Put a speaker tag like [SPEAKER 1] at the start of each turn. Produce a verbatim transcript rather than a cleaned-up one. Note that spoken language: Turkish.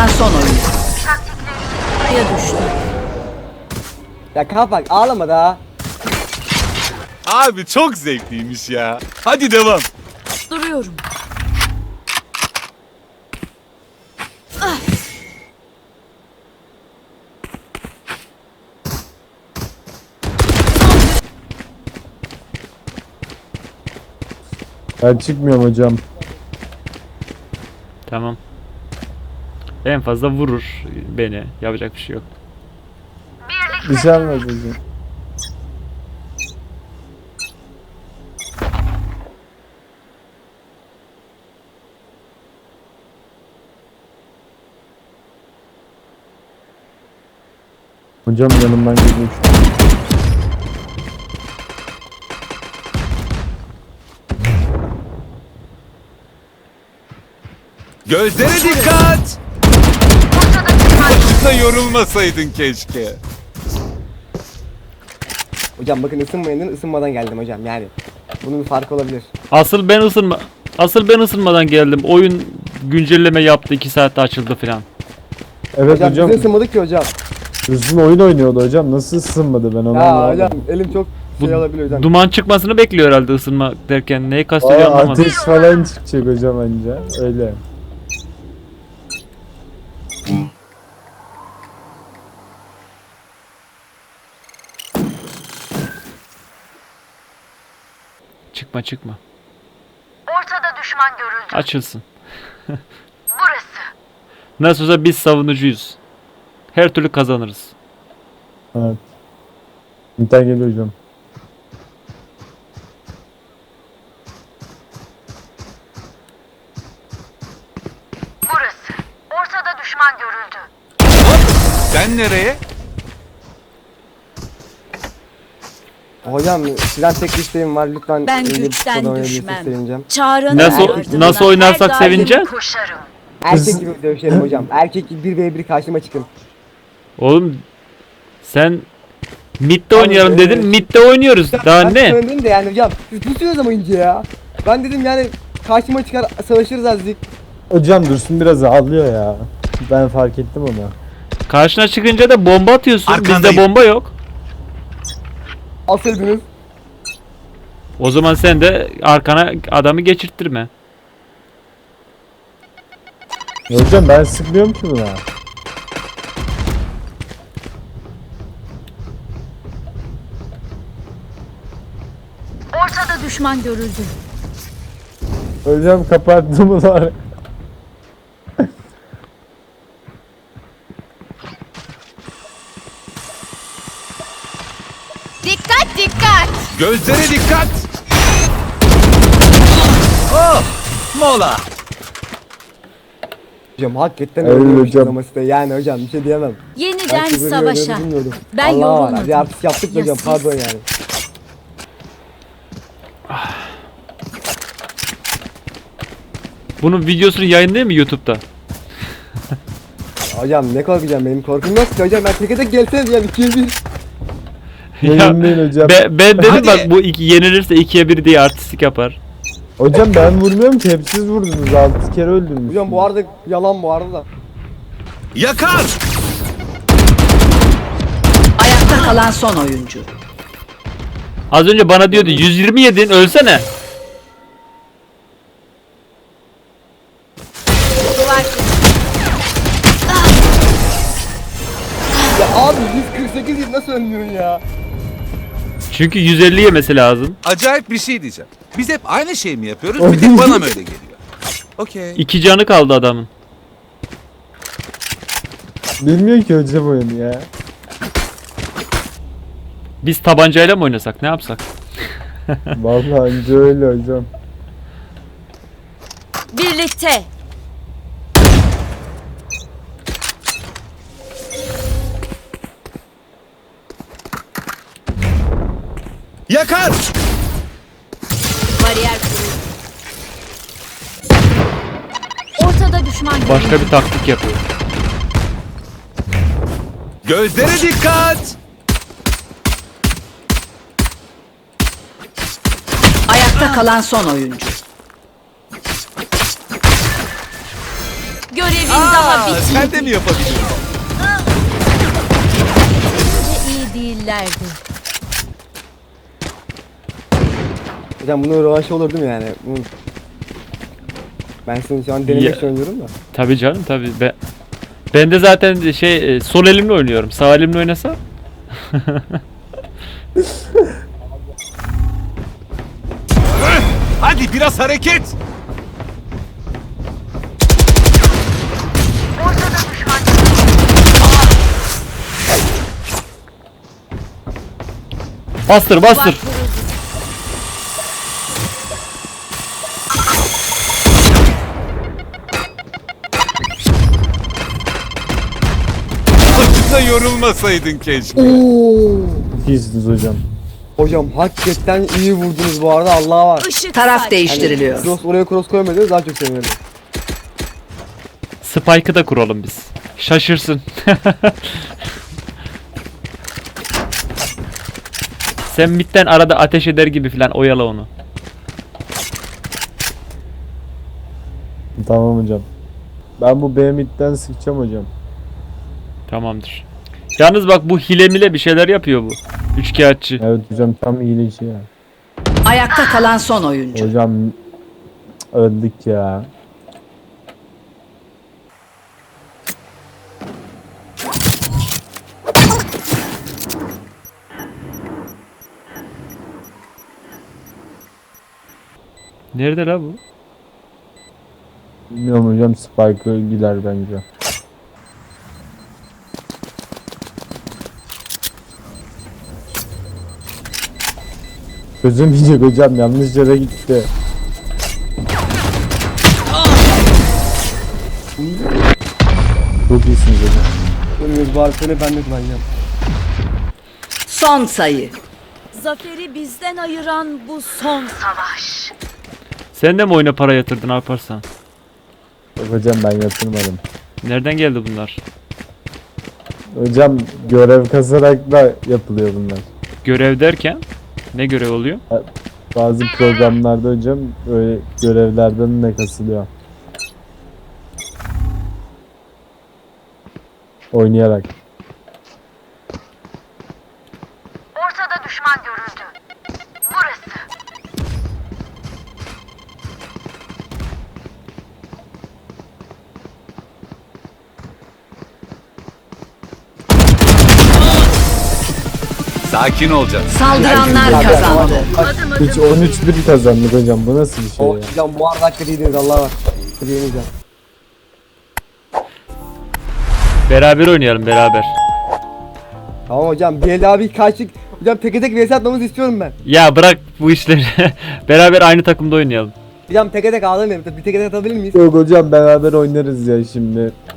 [SPEAKER 1] kalan son oyun. Buraya düştü.
[SPEAKER 2] Ya kapak ağlama da.
[SPEAKER 3] Abi çok zevkliymiş ya. Hadi devam.
[SPEAKER 1] Duruyorum.
[SPEAKER 4] Ben çıkmıyorum hocam.
[SPEAKER 5] Tamam. En fazla vurur beni. Yapacak bir şey yok.
[SPEAKER 4] Dışarı hocam. Hocam yanımdan geliyor şu an.
[SPEAKER 3] Gözlere dikkat. Başta yorulmasaydın keşke.
[SPEAKER 2] Hocam bakın ısınmayın, ısınmadan geldim hocam yani. Bunun bir farkı olabilir.
[SPEAKER 5] Asıl ben ısınma Asıl ben ısınmadan geldim. Oyun güncelleme yaptı. iki saatte açıldı filan.
[SPEAKER 4] Evet
[SPEAKER 2] Hocam,
[SPEAKER 4] hocam.
[SPEAKER 2] biz ısınmadık ki hocam.
[SPEAKER 4] Dursun oyun oynuyordu hocam. Nasıl ısınmadı ben onu
[SPEAKER 2] Ya
[SPEAKER 4] anlamadım.
[SPEAKER 2] hocam elim çok
[SPEAKER 5] Bu
[SPEAKER 2] şey olabilir hocam.
[SPEAKER 5] duman çıkmasını bekliyor herhalde ısınma derken. Neyi kastediyor
[SPEAKER 4] Aa,
[SPEAKER 5] anlamadım.
[SPEAKER 4] ateş falan çıkacak hocam anca. Öyle.
[SPEAKER 5] Çıkma çıkma.
[SPEAKER 6] Ortada düşman görüldü.
[SPEAKER 5] Açılsın.
[SPEAKER 6] Burası.
[SPEAKER 5] Nasıl olsa biz savunucuyuz. Her türlü kazanırız.
[SPEAKER 4] Evet. İnter geliyor hocam.
[SPEAKER 6] Burası. Ortada düşman görüldü.
[SPEAKER 3] Sen nereye?
[SPEAKER 2] Hocam sizden tek bir isteğim var lütfen.
[SPEAKER 1] Ben
[SPEAKER 2] e, bir
[SPEAKER 1] güçten
[SPEAKER 2] kutudan oynayabilirsek
[SPEAKER 1] düşmem.
[SPEAKER 2] sevineceğim.
[SPEAKER 1] Çağrı'nın
[SPEAKER 5] Nasıl
[SPEAKER 1] yardımına
[SPEAKER 5] nasıl
[SPEAKER 1] her
[SPEAKER 5] oynarsak
[SPEAKER 1] daim
[SPEAKER 5] sevineceğiz?
[SPEAKER 6] Koşarım.
[SPEAKER 2] Erkek gibi dövüşelim hocam. Erkek gibi bir ve bir karşıma çıkın.
[SPEAKER 5] Oğlum sen midde
[SPEAKER 2] Abi,
[SPEAKER 5] oynayalım
[SPEAKER 2] e,
[SPEAKER 5] dedin. Midde oynuyoruz. Daha
[SPEAKER 2] Ben
[SPEAKER 5] ne?
[SPEAKER 2] söyledim de yani hocam siz pusuyoruz ama ince ya. Ben dedim yani karşıma çıkar savaşırız azıcık.
[SPEAKER 4] Hocam Dursun biraz ağlıyor ya. Ben fark ettim onu.
[SPEAKER 5] Karşına çıkınca da bomba atıyorsun. Bizde
[SPEAKER 3] Arkandayım.
[SPEAKER 5] bomba yok.
[SPEAKER 2] Alsaydınız.
[SPEAKER 5] O zaman sen de arkana adamı geçirttirme.
[SPEAKER 4] Ya hocam ben sıkmıyorum ki buna.
[SPEAKER 6] Ortada
[SPEAKER 1] düşman görüldü.
[SPEAKER 4] Hocam kapattım bunları.
[SPEAKER 1] Dikkat dikkat.
[SPEAKER 3] Gözlere dikkat. Oh, mola.
[SPEAKER 2] Hocam hakikaten
[SPEAKER 4] Evet
[SPEAKER 2] öyle
[SPEAKER 4] hocam.
[SPEAKER 2] hocam. Da. Yani hocam bir şey diyemem.
[SPEAKER 1] Yeniden
[SPEAKER 2] Belki böyle
[SPEAKER 1] savaşa.
[SPEAKER 2] oynarız bilmiyordum.
[SPEAKER 1] Ben
[SPEAKER 2] Allah var.
[SPEAKER 1] yorulmadım.
[SPEAKER 2] Bir artist yaptık da
[SPEAKER 1] Ya
[SPEAKER 2] hocam
[SPEAKER 1] siz?
[SPEAKER 2] pardon yani.
[SPEAKER 5] Bunun videosunu yayınlayayım mı YouTube'da?
[SPEAKER 2] Hocam ne korkacağım benim korkum yok ki hocam ben teke tek gelseniz ya ikiye bir.
[SPEAKER 4] Yayınlayın hocam.
[SPEAKER 5] be- ben dedim
[SPEAKER 3] Hadi.
[SPEAKER 5] bak bu iki, yenilirse ikiye bir diye artistik yapar.
[SPEAKER 4] Hocam ben vurmuyorum ki hep siz vurdunuz. Altı kere öldürmüşsünüz.
[SPEAKER 2] Hocam bu arada yalan bu arada da.
[SPEAKER 3] Yakar.
[SPEAKER 1] Ayakta kalan son oyuncu.
[SPEAKER 5] Az önce bana diyordu yüz yirmi yedin ölsene.
[SPEAKER 2] Ya abi yüz kırk sekiz yıl nasıl önlüyorsun ya?
[SPEAKER 5] Çünkü yüz elli yemesi lazım.
[SPEAKER 3] Acayip bir şey diyeceğim. Biz hep aynı şey mi yapıyoruz? Bir tek bana mı öyle geliyor? Okey.
[SPEAKER 5] İki canı kaldı adamın.
[SPEAKER 4] Bilmiyor ki hocam oyunu ya.
[SPEAKER 5] Biz tabancayla mı oynasak ne yapsak?
[SPEAKER 4] Vallahi önce öyle hocam.
[SPEAKER 1] Birlikte.
[SPEAKER 3] Yakar.
[SPEAKER 1] Bariyer kuruldu. Ortada düşman görüldü.
[SPEAKER 5] Başka bir taktik yapıyor.
[SPEAKER 3] Gözlere dikkat.
[SPEAKER 1] Ayakta kalan son oyuncu. Görevin daha
[SPEAKER 3] Aa,
[SPEAKER 1] bitmedi.
[SPEAKER 3] sen de mi yapabiliyorsun?
[SPEAKER 1] iyi değillerdi.
[SPEAKER 2] Hocam bunun rövanşı olur değil mi yani? Bunun... Ben seni şu an denemek
[SPEAKER 5] Ya-
[SPEAKER 2] için oynuyorum da.
[SPEAKER 5] Tabii canım tabii. Ben, ben de zaten şey e, sol elimle oynuyorum. Sağ elimle oynasa.
[SPEAKER 3] Hadi biraz hareket.
[SPEAKER 6] Ortada düşman
[SPEAKER 5] Bastır bastır.
[SPEAKER 3] Acıda yorulmasaydın keşke.
[SPEAKER 2] Oo.
[SPEAKER 4] Çok iyisiniz hocam.
[SPEAKER 2] Hocam hakikaten iyi vurdunuz bu arada, Allah'a var.
[SPEAKER 1] Işık
[SPEAKER 7] Taraf
[SPEAKER 1] saç.
[SPEAKER 7] değiştiriliyor.
[SPEAKER 2] Cross, oraya cross koymadınız, daha çok sevinirim.
[SPEAKER 5] Spike'ı da kuralım biz. Şaşırsın. Sen midden arada ateş eder gibi filan oyala onu.
[SPEAKER 4] Tamam hocam. Ben bu B mid'den sıkacağım hocam.
[SPEAKER 5] Tamamdır. Yalnız bak bu hile mile bir şeyler yapıyor bu. Üçkağıtçı.
[SPEAKER 4] Evet hocam tam hileci ya.
[SPEAKER 7] Ayakta kalan son oyuncu.
[SPEAKER 4] Hocam cık, öldük ya.
[SPEAKER 5] Nerede la bu?
[SPEAKER 4] Bilmiyorum hocam, Spike'ı gider bence. Çözemeyecek hocam, yanlış yere gitti. Çok iyisiniz hocam.
[SPEAKER 2] Önümüz var, söyle ben de kullanacağım.
[SPEAKER 7] Son sayı.
[SPEAKER 1] Zaferi bizden ayıran bu son.
[SPEAKER 6] savaş.
[SPEAKER 5] Sen de mi oyuna para yatırdın Alparslan?
[SPEAKER 4] Yok hocam, ben yatırmadım.
[SPEAKER 5] Nereden geldi bunlar?
[SPEAKER 4] Hocam görev kasarak da yapılıyor bunlar.
[SPEAKER 5] Görev derken ne görev oluyor?
[SPEAKER 4] Bazı programlarda hocam öyle görevlerden de kasılıyor. Oynayarak.
[SPEAKER 6] Ortada düşman görüldü. Burası.
[SPEAKER 3] Sakin olacaksın.
[SPEAKER 7] Saldıranlar kazandı.
[SPEAKER 4] Hiç on üç bir kazandık hocam, bu nasıl bir şey ya?
[SPEAKER 2] Hocam bu arada hakikaten iyiydiniz, Allah'a var. Diyemeyeceğim.
[SPEAKER 5] Beraber oynayalım beraber.
[SPEAKER 2] Tamam hocam, bir elde abi karşı... Hocam teke tek vs atmamızı istiyorum ben.
[SPEAKER 5] Ya bırak bu işleri. Beraber aynı takımda oynayalım.
[SPEAKER 2] Hocam teke tek ağlamayalım, bir teke tek atabilir miyiz?
[SPEAKER 4] Yok hocam, beraber oynarız ya şimdi.